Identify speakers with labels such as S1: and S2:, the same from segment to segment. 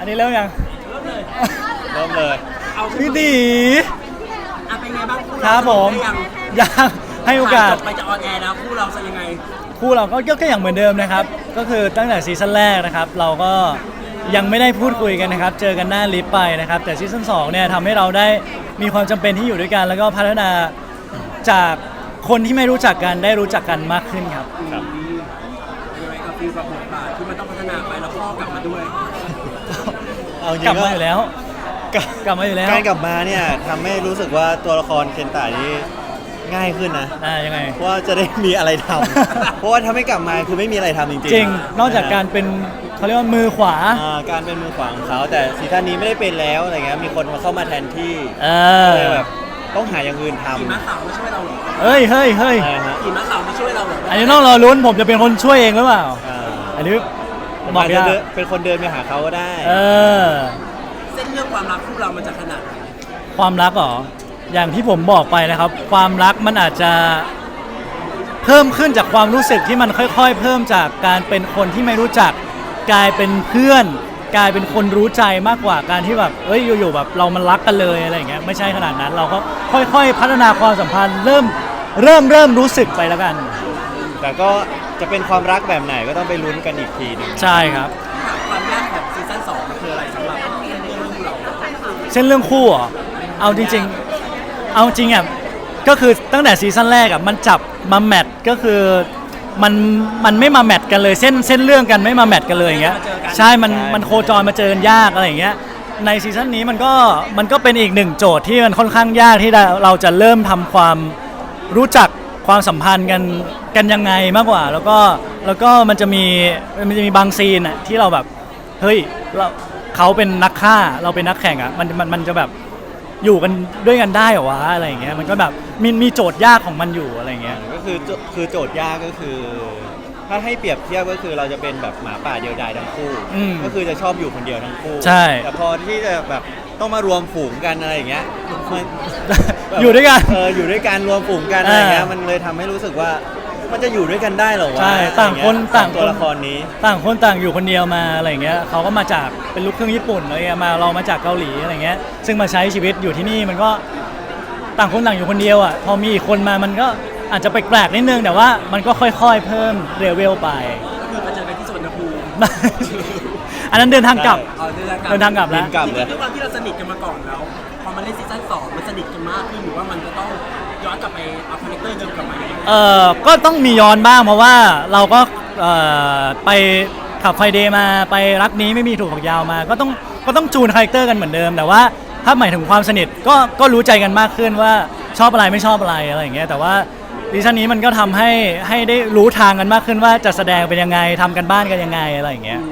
S1: อันนี้เริ่มยัง
S2: เริ่มเลย
S3: เริ่มเลย
S2: เอา
S1: พี่ตี
S2: เป็นไงบ้างคู่
S1: ค
S2: เรา
S1: รับผม
S2: ได้ยัง
S1: ยังให้โอกาส
S2: จบไปจะออนแอร์แล้วคู่เราจะยังไง
S1: คู่เราก็อย่างเหมือนเดิมนะครับก็คือตั้งแต่ซีซั่นแรกนะครับเราก็ยังไม่ได้พูดคุยกันนะครับเจอกันหน้าลิฟต์ไปนะครับแต่ซีซั่น2เนี่ยทำให้เราได้มีความจำเป็นที่อยู่ด้วยกัน แล้วก็พัฒนาจากคนที่ไม่รู้จักกันได้รู้จักกันมากขึ้นครับ
S3: ครับ
S2: ยังไงกับฟีลกับบทบาทที่มันต้องพัฒนาไปแล้วพ่อกลับมาด้วย
S3: เอาจริง
S1: กลับ
S3: ก็
S1: มาอยู่แล้ว
S3: กลับ
S1: กลับมาอยู่แล้ว
S3: การกลับมาเนี่ยทำให้รู้สึกว่าตัวละครเคนตะนี่ง่ายขึ้นนะ
S1: ยังไง
S3: เพราะว่าจะได้มีอะไรทำ เพราะว่าถ้าไม่กลับมาคือไม่มีอะไรทำจริงๆ
S1: จริงนอกจากการเป็นเขาเรียกว่ามือขวา
S3: การเป็นมือขวาของเขาแต่ซีซั่นนี้ไม่ได้เป็นแล้วอะไรเงี้ยมีคนมาเข้ามาแทนที่
S1: เอ
S3: ก็
S1: อ
S3: เลยแบบต้องหาอย่างอื่นทำ
S2: ขี่ม้าขาวมาช่วยเราเหรอ
S1: เฮ้ยเฮ้ยเฮ้ย
S3: อะไรฮะ
S2: ขี่ม้าขาวมาช่วยเราเหรอ
S1: อันนี้ต้องรอลุ้นผมจะเป็นคนช่วยเองหรือเปล่า
S3: อ่า
S1: อันนี้
S3: ผม
S1: บอก
S3: อาจจะ
S1: ยาก
S3: เป็นคนเดินไปหาเขาก็ได้
S1: เออ
S2: เส้นเรื่องความรักคู่เรามันจะขนาดไหน
S1: ความรักเหรอ อย่างที่ผมบอกไปนะครับ ความรักมันอาจจะเพิ่มขึ้นจากความรู้สึกที่มันค่อยๆ เพิ่มจากการเป็นคนที่ไม่รู้จัก กลายเป็นเพื่อน กลายเป็นคนรู้ใจมากกว่าการที่แบบอยู่ๆแบบเรามันรักกันเลยอะไรอย่างเงี้ยไม่ใช่ขนาดนั้นเราก็ค่อยๆ พัฒนาความสัมพันธ์เริ่มรู้สึกไปแล้วกัน
S3: แต่ก็จะเป็นความรักแบบไหนก็ต้องไปลุ้นกันอีกทีหนึง
S1: ใช่ครับ
S2: ความยากของซีซั่น2มันคืออะไรสำหรับเรื่องคู่เรา
S1: เส้นเรื่องคู่เหรอเอาจริงๆ เอาจริงอ่ะก็คือตั้งแต่ซีซั่นแรกอ่ะมันจับมาแมทก็คือมันไม่มาแมทกันเลยเส้นเรื่องกันไม่มาแมทกันเลยอย่างเงี้ยใช่มันโคจรมาเจอกันยากอะไรอย่างเงี้ยในซีซั่นนี้มันก็เป็นอีกหนึ่งโจทย์ที่มันค่อนข้างยากที่เราจะเริ่มทำความรู้จักความสัมพันธ์กันยังไงมากกว่า แล้วก็มันจะมีบางซีนอ่ะที่เราแบบเฮ้ยเขาเป็นนักฆ่าเราเป็นนักแข่งอ่ะมันจะแบบอยู่กันด้วยกันได้เหรอวะอะไรอย่างเงี้ยมันก็แบบมีโจทย์ยากของมันอยู่อะไรอย่างเงี้ย
S3: ก็คือโจทย์ยากก็คือ ถ้าให้เปรียบเทียบก็คือเราจะเป็นแบบหมาป่าเดียวดายทั้งคู่ ก็คือจะชอบอยู่คนเดียวทั้งคู่
S1: ใช่
S3: แต่พอที่จะแบบต้องมารวมฝูงกันอะไรอย่างเงี้ยมัน
S1: อยู่ด้วยกัน
S3: อยู่ด้วยกันรวมฝูงกันอะไรอย่างเงี้ย
S1: อ่ามั
S3: มันเลยทำให้รู้สึกว่ามันจะอยู่ด้วยกันได้เหรอวะ
S1: ใช่ต่างคน
S3: อะไรเงี้ย
S1: ต่างคน
S3: ตัวละครนี้
S1: ต่างคนต่างอยู่คนเดียวมาอะไรอย่างเงี้ยเขาก็มาจากเป็นลูกครึ่งญี่ปุ่นอะไรเงี้ยเรามาจากเกาหลีอะไรเงี้ยซึ่งมาใช้ชีวิตอยู่ที่นี่มันก็ต่างคนต่างอยู่คนเดียวอ่ะพอมีอีกคนมามันก็อาจจะแปลกๆนิดนึงแต่ว่ามันก็ค่อยๆเพิ่มเลเวลไป
S2: ก็คือมาเจอกันที่สวนภูมิ
S1: อันนั้นเดินทางกลับ
S2: เดินทางกลับ
S1: เดินทางกลับแล้ว
S3: บินกลับ
S2: จริงๆด้วยความที่เราสนิทกันมาก่อนแล้วพอมาเล่นซีซั่น2มันสนิทกันมากขึ้นหรือว่ามันจะต้องย้อนกลับไปเอาคาแรคเตอร์เดิมกลับมาอย่างไร
S1: ก็ต้องมีย้อนบ้างเพราะว่าเราก็ไปขับไฟเดย์มาไปรักนี้ไม่มีถูกผักยาวมาก็ต้องจูนคาแรคเตอร์กันเหมือนเดิมแต่ว่าถ้าหมายถึงความสนิทก็รู้ใจกันมากขึ้นว่าชอบอะไรไม่ชอบอะไรอะไรอย่างเงี้ยแต่ว่าดิชั่นนี้มันก็ทำให้ได้รู้ทางกันมากขึ้นว่าจะแสดงเป็นยังไงทำกันบ้านกันยังไงอะไรอย่างเงี้ย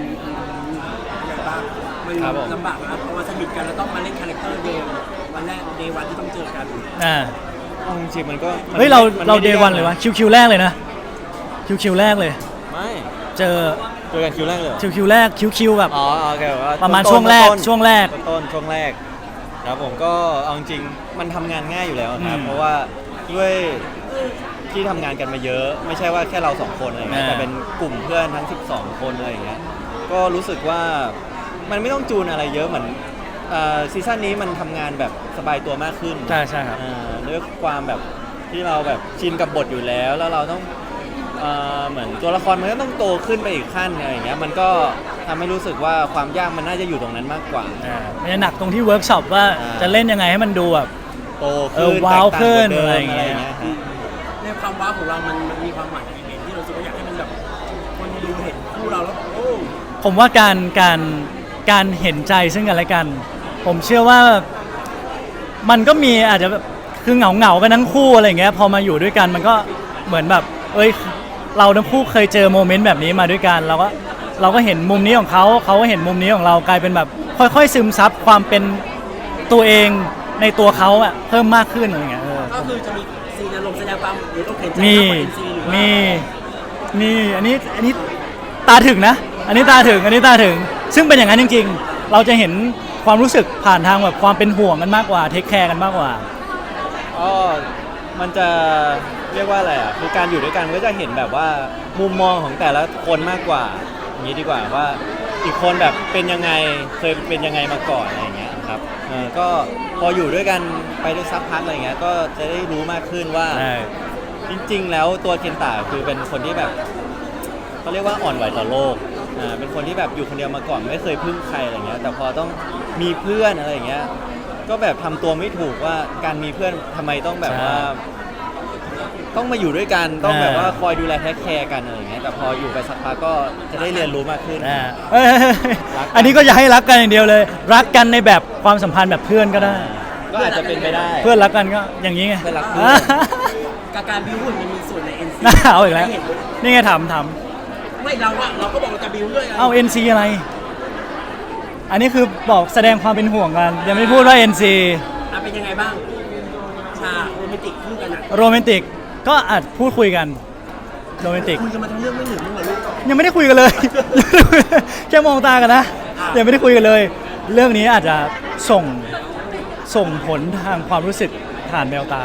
S2: มัน
S3: ครับผม
S2: ลำบากนะเพราะว่าสนิทกันแล้วต้องมาเล่นคาแรคเตอร์เดิมวันแรกเดย์วันที่ต้องเจอกัน
S3: เอาจริงๆมันก็
S1: เฮ้ยเรา
S3: มันไม่
S1: เดย์วันเลยวะคิวแรกเลยนะคิวแรกเลย
S3: ไม่
S1: เจอ
S3: เจอกันคิวแรกเลยเหรอ
S1: คิวแรกคิวแบบ
S3: อ๋อโอเคว่า
S1: ประมาณ
S3: ต้นๆ
S1: ช่วงแรก
S3: ต้นๆ
S1: ช่วงแรก
S3: ต้นๆช่วงแรกครับผมก็เอาจริงๆมันทำงานง่ายอยู่แล้วครับ
S1: อืม
S3: เพราะว่าด้วยที่ทำงานกันมาเยอะ ไม่ใช่ว่าแค่เราสองคนอะไรเงี้ย
S1: อ่า
S3: แต่เป็นกลุ่มเพื่อนทั้ง 12 คนอะไรอย่างเงี้ยก็รู้สึกว่ามันไม่ต้องจูนอะไรเยอะเหมือนซีซั่นนี้มันทำงานแบบสบายตัวมากขึ้น
S1: ใช่ใช่ครับ
S3: ด้วยความแบบที่เราแบบชินกับบทอยู่แล้วแล้วเราต้องเหมือนตัวละครมันก็ต้องโตขึ้นไปอีกขั้นอะไรอย่างเงี้ยมันก็ทำให้รู้สึกว่าความยากมันน่าจะอยู่ตรงนั้นมากกว่า
S1: มันจะหนักตรงที่เวิร์กช็อปว่า
S3: อ่า
S1: จะเล่นยังไงให้มันดูแบบ
S3: โตขึ้น
S1: ว้าว
S3: แตกต่ง
S1: ขึ้น
S3: กว่เดิม
S1: อะไรอย่างเงี้ย
S3: ฮะ
S2: ในความว้าวของเรามันมีความหมายอย่างไรที่เรารู้สึกว่าอยากให้มันแบบคนดูเห็นคู่เราแล้วโอ้
S1: ผมว่าการเห็นใจซึ่งกันและกัน ผมเชื่อว่ามันก็มีอาจจะแบบคือเหงากันทั้งคู่อะไรอย่างเงี้ยพอมาอยู่ด้วยกันมันก็เหมือนแบบเราทั้งคู่เคยเจอโมเมนต์แบบนี้มาด้วยกันเราก็เห็นมุมนี้ของเขาก็เห็นมุมนี้ของเรากลายเป็นแบบค่อยๆซึมซับความเป็นตัวเองในตัวเขาอะเพิ่มมากขึ้นอะไรอย่างเงี้ย
S2: ก็คือจะมีซีนอารมณ์แสดงความหรือต้องเห็นใจ
S1: มี
S2: มากกว่า NC หรือว่า
S1: มีอันนี้ตาถึงนะ อันนี้ตาถึงซึ่งเป็นอย่างนั้นจริงๆ เราจะเห็นความรู้สึกผ่านทางแบบความเป็นห่วงกันมากกว่าเทคแคร์กันมากกว่า
S3: ก็มันจะเรียกว่าอะไรอ่ะคือการอยู่ด้วยกันก็จะเห็นแบบว่ามุมมองของแต่ละคนมากกว่าอย่างนี้ดีกว่าว่าอีกคนแบบเป็นยังไงเคยเป็นยังไงมาก่อนอะไรอย่างเงี้ยครับก็พออยู่ด้วยกันไปได้สักพักอะไรเงี้ยก็จะได้รู้มากขึ้นว่า
S1: ใช่
S3: จริงๆ แล้วตัวเคนตะคือเป็นคนที่แบบเขาเรียกว่าอ่อนไหวต่อโลกเป็นคนที่แบบอยู่คนเดียวมาก่อนไม่เคยพึ่งใครอะไรเงี้ยแต่พอต้องมีเพื่อนอะไรอย่างเงี้ยก็แบบทำตัวไม่ถูกว่าการมีเพื่อนทำไมต้องแบบว่า ต้องมาอยู่ด้วยกันต้องแบบว่าคอยดูแลเทคแคร์กันอะไรอย่างเงี้ยแต่พออยู่ไปสักพักก็จะได้เรียนรู้มากขึ้น
S1: เอ้ย
S3: รักกัน
S1: อันนี้ก็อย่าให้รักกันอย่างเดียวเลย รักกันในแบบความสัมพันธ์แบบเพื่อนก็ได้
S3: ก็อาจจะเป็นไปได้
S1: เพื่อนรักกันก็อย่างนี้ไง
S3: เพื่อนรักเพื่อน
S2: การบิวหุ่นมันมีส่วนใน NC
S1: น่าเอาอีกแล้ว
S2: ให้เห็น
S1: นี่ไงถาม
S2: ไม่เราก็บอกเราจะบิวด้วย
S1: เอา NC อะไร อันนี้คือบอกแสดงความเป็นห่วงกัน ยังไม่พูดว่า NC
S2: เป็นยังไงบ้างฉากโรแมนติกคู่กันอ่ะ
S1: โรแมนติกก็อาจพูดคุยกันโรแมนติก
S2: คุยกันมาทั้งเรื่องไม่หนึ่งมึงเหรอลูก
S1: ยังไม่ได้คุยกันเลย แค่มองตากันนะ ยังไม่ได้คุยกันเลย เรื่องนี้อาจจะส่งผลทางความรู้สึกผ่านแววตา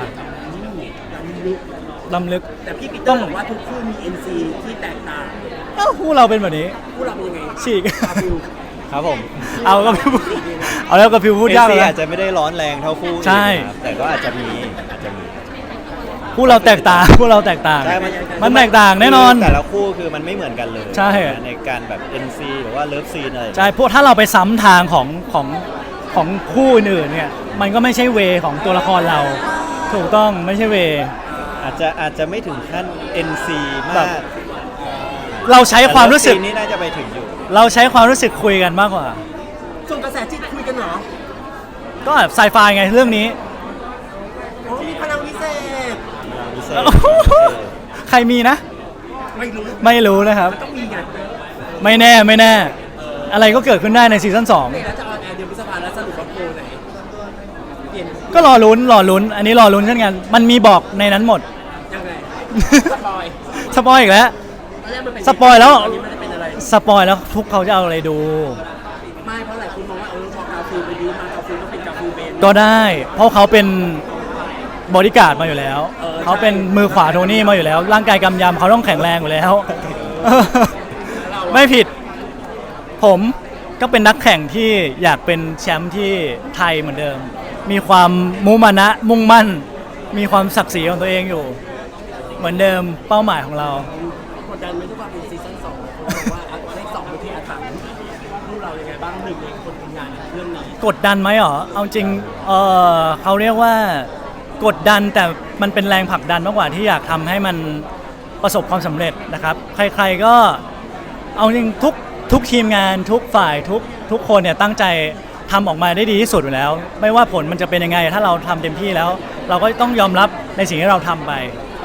S1: ล้ำลึก
S2: แต่พี่ปีเตอร์บอกว่าทุกคู่มี NC ที่แตกต่าง
S1: เอ้าคู่เราเป็นแบบนี้
S2: คู่เราเป็นยังไง
S1: ฉีก
S2: อาบิว
S3: ครับผม
S1: เอาก็พิวเอาแล้วก็พิวพูดยาก
S3: เอ
S1: เลย
S3: ซี
S1: นะ
S3: อาจจะไม่ได้ร้อนแรงเท่าคู่อื่น
S1: ใช่
S3: ครับแต่ก็อาจจะมี
S1: คู่เราแตกต่างคู่เราแตกต่าง
S3: ใช่
S1: มันแตกต่างแน่นอน
S3: แต่ละคู่คือมันไม่เหมือนกันเลย
S1: ใช่
S3: ในการแบบ NC หรือว่าเลิฟซีนอะไร
S1: ใช่พวกถ้าเราไปซ้ำทางของคู่อื่นๆเนี่ย มันก็ไม่ใช่เวของตัวละครเรา ถูกต้องไม่ใช่เว
S3: อาจจะไม่ถึงขั้น NC
S1: แบ
S3: มา
S1: บ
S3: ก
S1: เราใช้ความรู้สึก
S3: แต่ Love Scene นี่น่าจะไปถึงอยู่
S1: เราใช้ความรู้สึกคุยกันมากกว่า
S2: ส่งกระแสจิตคุยกันเหรอ
S1: ก็แบบไซไฟไงเรื่องนี้
S2: โอ้มีพลังวิเศษ
S3: พิเศษ
S1: ใครมีนะ
S2: ไม่รู้
S1: ไม่รู้นะครับ
S2: มันต้องมีไง
S1: ไม่แน่ อะไรก็เกิดขึ้นได้ในซีซั่น
S2: นี่แล้วจะออนแอร์เดือนพฤษภาแล้วสรุปว่าโปรไหนเปลี่ยน
S1: 2 ก็รอลุ้น อันนี้รอลุ้นเช่นกัน มันมีบอกในนั้นหมด
S2: ยังไงสปอย
S1: สปอยอีกแล้ว
S2: ตอนแรกมันเป็น
S1: สปอยแล้ว
S2: ตอนนี้มันจะเป็นอะไร
S1: สปอยแล้วทุกเขาจะเอาอะไรดู
S2: ไม่เพราะหลายคนมองว่าพอกาฟิลไปดิวมากาฟิลก็เป็นกาฟิลเบน
S1: ก็ได้ เพราะเขาเป็นบอดี้การ์ดมาอยู่แล้ว เขาเป็นมือขวาโทนี่มาอยู่แล้ว ร่างกายกำยำเขาต้องแข็งแรงอยู่แล้ว ไม่ผิด ผมก็เป็นนักแข่งที่อยากเป็นแชมป์ที่ไทยเหมือนเดิม มีความมุมานะมุ่งมั่น มีความศักดิ์ศรีของตัวเองอยู่ เหมือนเดิมเป้าหมายของเรา
S2: กดดันไหมทุกว่าเป็นซีซั่น2เขาบอกว่าเลข2เป็นที่อาถรรพ์ลูกเรายังไงบ้างหนึ่งในคนทำงานเรื่องนี้
S1: กดดันไหมหรอ เอาจริงเขาเรียกว่ากดดันแต่มันเป็นแรงผลักดันมากกว่าที่อยากทำให้มันประสบความสำเร็จนะครับ ใครๆก็เอาจริงทุกทีมงานทุกฝ่ายทุกคนเนี่ยตั้งใจทำออกมาได้ดีที่สุดอยู่แล้ว ไม่ว่าผลมันจะเป็นยังไง ถ้าเราทำเต็มที่แล้ว เราก็ต้องยอมรับในสิ่งที่เราทำไป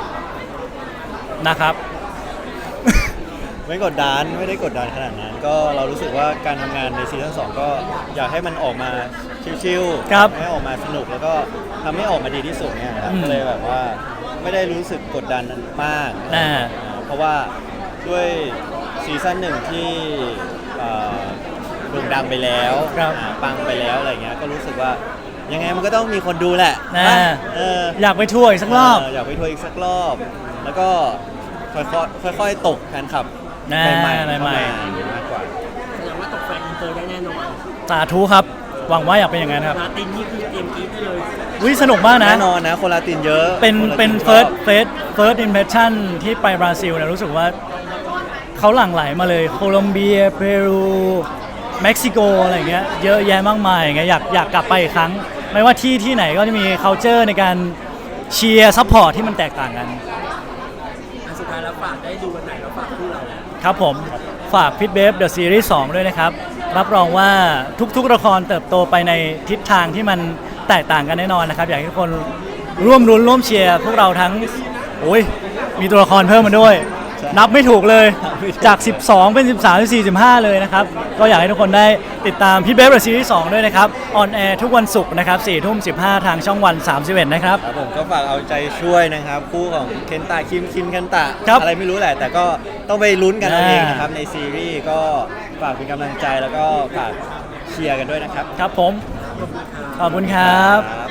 S1: นะครับ
S3: ไม่กดดันไม่ได้กดดันขนาดนั้น ก็เรารู้สึกว่าการทำงานในซีซั่น2ก็อยากให้มันออกมาชิลๆ
S1: ครับ
S3: ให้ออกมาสนุกแล้วก็ทำให้ออกมาดีที่สุดเนี่ยครับ
S1: อืม
S3: ก็เลยแบบว่าไม่ได้รู้สึกกดดันมาก เพราะว่าด้วยซีซั่น1ที่โด่งดังไปแล้ว
S1: ครับ
S3: ปังไปแล้วอะไรเงี้ยก็รู้สึกว่ายังไงมันก็ต้องมีคนดูแหละ
S1: นะ
S3: เออ
S1: อยากไปทัวร์อีกสักรอบ
S3: อยากไปทัวร์อีกสักรอบ แล้วก็ค่อยๆตกแฟนคลับ
S1: นะ
S3: ใหม่ๆเข้า
S1: ใหม่
S3: มากกว่า
S2: แสดงว่าตกแฟนอินเตอร์ได้แน่นอน
S1: สาธุครับ หวังว่าอยากเป็นอย่างนั้นครับ
S2: ลาตินนี่คือเตรียมกรีดได้เลย
S1: วิสนุกมากนะ
S3: แน่นอนนะคนลาตินเยอะ
S1: เป็น
S3: คนลา
S1: เป็น
S3: ชอบ
S1: first impression ที่ไปบราซิลเนี่ยรู้สึกว่าเขาหลั่งไหลมาเลยโคลอมเบียเปรูเม็กซิโกอะไรอย่างเงี้ยเยอะแยะมากมายอย่างเงี้ยอยากกลับไปอีกครั้ง ไม่ว่าที่ไหนก็จะมี culture ในการเชียร์ซัพพอร์ตที่มันแตกต่างกัน
S2: อันสุดท้ายแล้วฝากได้ดูวันไหนแล้วฝากคู่เรา
S1: ครับผมฝากพิทเบฟเดอะซีรีส์2ด้วยนะครับ รับรองว่าทุกๆละครเติบโตไปในทิศทางที่มันแตกต่างกันแน่นอนนะครับ อยากให้ทุกคนร่วมรุ้นร่วมเชียร์พวกเราทั้งโอ้ยมีตัวละครเพิ่มมาด้วย นับไม่ถูกเลยจาก 12 เป็น 13 เป็น 45 เลยนะครับ ก็อยากให้ทุกคนได้ติดตามพิทเบฟเดอะซีรีส์2ด้วยนะครับออนแอร์ทุกวันศุกร์นะครับ 4:15 ทางช่องวัน 31 นะครับ
S3: ครับผมก็ฝากเอาใจช่วยนะครับคู่ของเคนตะคิมเคนตะ
S1: ครับ
S3: อะไรไม่รู้แหละ แต่ก็ต้องไปลุ้นกันเอา
S1: อ่า
S3: เองนะครับในซีรีส์ก็ฝากเป็นกำลังใจแล้วก็ฝากเชียร์กันด้วยนะครับ
S1: ครับผมขอบคุณครับ
S3: ครับ